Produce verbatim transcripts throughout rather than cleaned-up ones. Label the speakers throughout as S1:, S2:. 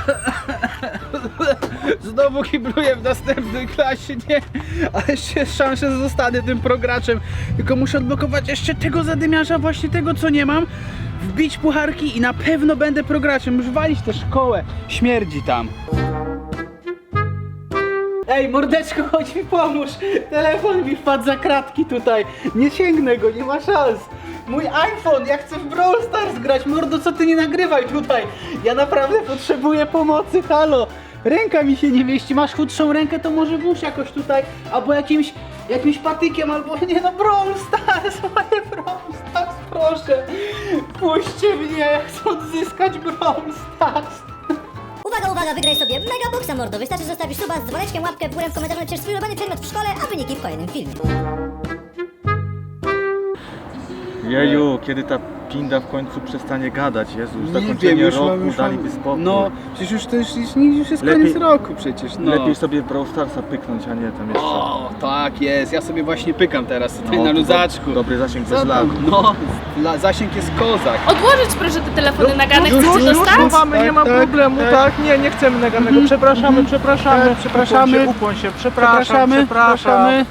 S1: Znowu kibluję w następnej klasie, nie? Ale jeszcze jest szansa, że zostanę tym prograczem. Tylko muszę odblokować jeszcze tego zadymiarza, właśnie tego, co nie mam. Wbić pucharki i na pewno będę prograczem. Już walić tę szkołę. Śmierdzi tam. Ej, mordeczko, chodź mi pomóż. Telefon mi wpadł za kratki tutaj. Nie sięgnę go, nie ma szans. Mój iPhone, ja chcę w Brawl Stars grać. Mordo, co ty nie nagrywaj tutaj? Ja naprawdę potrzebuję pomocy, halo. Ręka mi się nie mieści. Masz chudszą rękę, to może włóż jakoś tutaj. Albo jakimś, jakimś patykiem, albo nie no, Brawl Stars, moje Brawl Stars, proszę. Puśćcie mnie, ja chcę odzyskać Brawl Stars.
S2: Uwaga, uwaga, wygraj sobie Megaboxa, mordo. Wystarczy zostawić suba z dzwoneczkiem, łapkę w górę, w komentarzu napisz swój ulubiony przedmiot w szkole, a wyniki w kolejnym filmie.
S3: Jeju, kiedy ta pinda w końcu przestanie gadać, Jezu, już
S1: Nie
S3: zakończenie
S1: wiem, już
S3: roku,
S1: mam, już mam-
S3: daliby spokój.
S1: No, przecież już to już, już, już jest
S3: Lepiej-
S1: koniec roku przecież, no.
S3: Lepiej sobie Brawl Starsa pyknąć, a nie tam jeszcze.
S1: O, tak jest, ja sobie właśnie pykam teraz tutaj
S3: No,
S1: na
S3: to
S1: luzaczku.
S3: do- Dobry zasięg
S1: Co
S3: bez lag.
S1: tam? No, la, zasięg jest kozak.
S4: Odłożyć proszę te telefony nagane,
S1: już,
S4: chcecie
S1: już,
S4: dostać?
S1: już.
S5: Mamy, nie
S1: Tak,
S5: ma
S1: tak,
S5: problemu,
S1: tak.
S5: tak. Nie, nie chcemy naganego.
S1: Mhm,
S5: Przepraszamy,
S1: mhm.
S5: przepraszamy.
S1: Tak, przepraszamy.
S5: Ukłoń się, ukłoń się. Przepraszam,
S1: Zapraszamy,
S5: przepraszam.
S1: zapraszamy.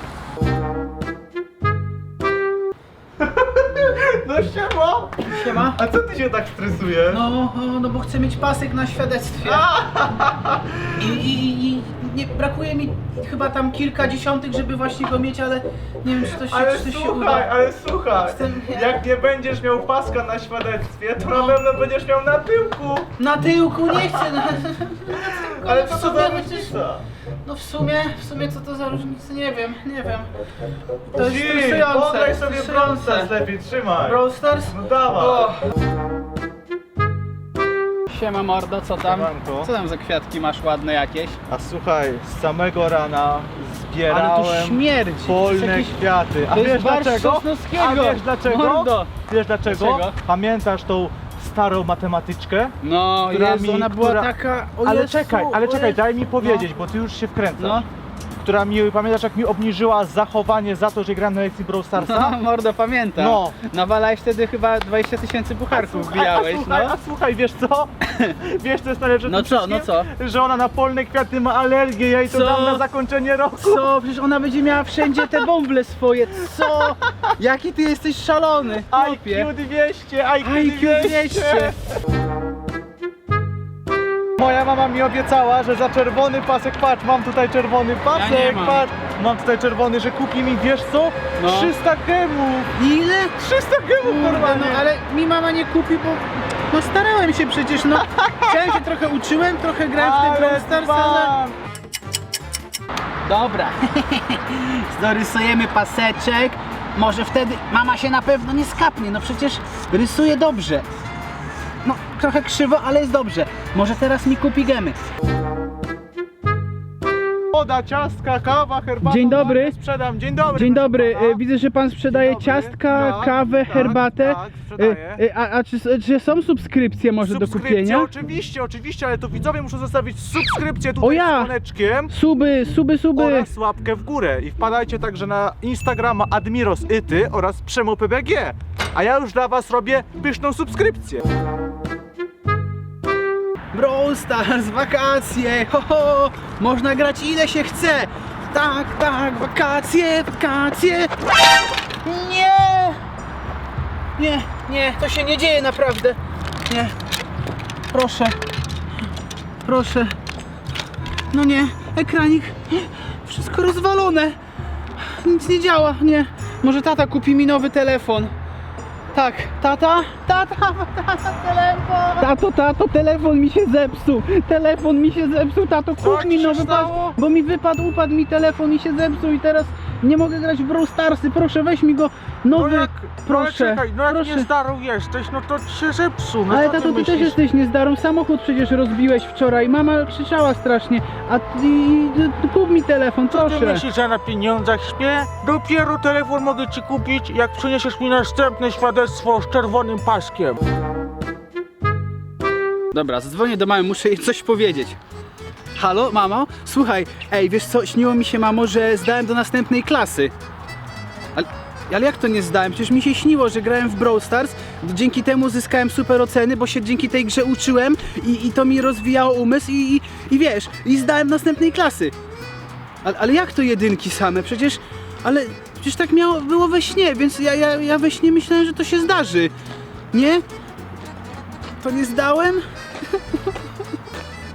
S5: No siema.
S1: Siema.
S5: A co ty się tak stresujesz?
S1: No, no, no bo chcę mieć pasek na świadectwie. I, i, i nie, brakuje mi chyba tam kilka dziesiątych, żeby właśnie go mieć, ale nie wiem, czy to się,
S5: Ale
S1: czy to się
S5: słuchaj,
S1: uda.
S5: ale słuchaj,
S1: Jestem-
S5: jak nie będziesz miał paska na świadectwie, to
S1: No.
S5: na pewno będziesz miał na tyłku.
S1: Na tyłku nie chcę. Na,
S5: Ale
S1: w
S5: co to
S1: sumie
S5: za
S1: chociaż-
S5: różnica?
S1: No w sumie, w sumie co to za różnica, nie wiem, nie wiem. To jest
S5: Ci,
S1: stresujące.
S5: podaj sobie Brawl Stars
S1: stresujące.
S5: lepiej, trzymaj.
S1: Brawl Stars?
S5: No dawaj.
S1: O. Siema mordo, co tam?
S5: Siemanko.
S1: Co tam za kwiatki masz ładne jakieś?
S5: A słuchaj, z samego rana
S1: Ale
S5: zbierałem
S1: to śmierdzi. To
S5: polne
S1: jest jakiś-
S5: kwiaty. A
S1: to jest
S5: wiesz
S1: barszcz
S5: dlaczego?
S1: Sosnowskiego.
S5: A wiesz dlaczego?
S1: Mordo.
S5: Wiesz dlaczego?
S1: Dlaczego?
S5: Pamiętasz tą starą matematyczkę?
S1: No,
S5: Która
S1: Jezu,
S5: mi-
S1: ona była
S5: która-
S1: taka... O
S5: Ale
S1: Jezu,
S5: czekaj, ale
S1: o
S5: czekaj,
S1: Jezu.
S5: daj mi powiedzieć, bo ty już się wkręcasz.
S1: No.
S5: Która mi, pamiętasz jak mi obniżyła zachowanie za to, że gram na lekcji Brawl Starsa?
S1: No, mordo, pamiętam.
S5: No.
S1: Nawalałeś wtedy chyba dwadzieścia tysięcy pucharków,
S5: Słuchaj,
S1: wbijałeś,
S5: a słuchaj,
S1: no.
S5: a słuchaj, wiesz co? Wiesz co jest najlepsze w
S1: No
S5: tym
S1: co, no
S5: wszystkim?
S1: co?
S5: Że ona na polne kwiaty ma alergię, ja jej to
S1: Co?
S5: dam na zakończenie roku.
S1: Co? Przecież ona będzie miała wszędzie te bąble swoje, co? Jaki ty jesteś szalony, chłopie.
S5: I Q dwieście, I Q
S1: I Q
S5: dwieście.
S1: dwieście.
S5: Moja mama mi obiecała, że za czerwony pasek, patrz, mam tutaj czerwony pasek,
S1: nie mam.
S5: patrz, mam tutaj czerwony, że kupi mi, wiesz co?
S1: No.
S5: trzysta gemów,
S1: Ile?
S5: trzysta gemów
S1: Kurde,
S5: normalnie.
S1: no ale mi mama nie kupi, bo no starałem się przecież, no. Chciałem się trochę uczyłem, trochę grałem w ten Brawl Stars, ale...
S5: dbam.
S1: Dobra, dorysujemy paseczek. Może wtedy mama się na pewno nie skapnie, no przecież rysuje dobrze. No, trochę krzywo, ale jest dobrze. Może teraz mi kupi gemy.
S5: Woda, ciastka, kawa, herbata.
S1: Dzień dobry.
S5: bardzo Sprzedam. Dzień dobry.
S1: Dzień
S5: proszę
S1: dobry,
S5: pana.
S1: e, widzę, że pan sprzedaje
S5: Dzień dobry.
S1: ciastka,
S5: Tak,
S1: kawę,
S5: tak,
S1: herbatę.
S5: tak, sprzedaję.
S1: E, e, A, a czy, czy są subskrypcje może do
S5: Subskrypcje,
S1: kupienia?
S5: oczywiście, oczywiście, ale to widzowie muszą zostawić subskrypcję tutaj
S1: O ja!
S5: z dzwoneczkiem
S1: Suby, suby, suby.
S5: oraz łapkę w górę. I wpadajcie także na Instagrama Admiros Ity oraz Przemo P B G. A ja już dla was robię pyszną subskrypcję.
S1: Brawl Stars, wakacje, ho, ho, można grać ile się chce. Tak, tak, wakacje, wakacje. Nie! Nie, nie, to się nie dzieje naprawdę. Nie. Proszę. Proszę. No nie, ekranik. Wszystko rozwalone. Nic nie działa, nie. Może tata kupi mi nowy telefon. Tak, tata, tata, tata, telefon. Tato, tato, telefon mi się zepsuł. Telefon mi się zepsuł, tato,
S5: Co
S1: kup mi
S5: ci się
S1: nowy pas,
S5: stało?
S1: bo mi wypadł, upadł mi telefon i się zepsuł i teraz nie mogę grać w Brawl Starsy. Proszę, weź mi go nowy, proszę,
S5: no czekaj, no jak
S1: proszę.
S5: nie starą jesteś, no to ci się zepsuł. No
S1: Ale
S5: co
S1: tato, ty też
S5: myślisz?
S1: jesteś niezdarą. Samochód przecież rozbiłeś wczoraj. Mama krzyczała strasznie. A ty, ty, kup mi telefon,
S5: Co ty
S1: proszę.
S5: myślisz, że ja na pieniądzach śpię? Dopiero telefon mogę ci kupić, jak przyniesiesz mi następne świadectwo z czerwonym paskiem.
S1: Dobra, zadzwonię do mamy, muszę jej coś powiedzieć. Halo, mamo? Słuchaj, ej, wiesz co, śniło mi się, mamo, że zdałem do następnej klasy. Ale, Ale jak to nie zdałem? Przecież mi się śniło, że grałem w Brawl Stars, dzięki temu zyskałem super oceny, bo się dzięki tej grze uczyłem i, i to mi rozwijało umysł i, i, i wiesz, i zdałem następnej klasy. Ale, ale jak to jedynki same? Przecież, ale przecież tak miało, było we śnie, więc ja, ja, ja we śnie myślałem, że to się zdarzy. Nie? To nie zdałem?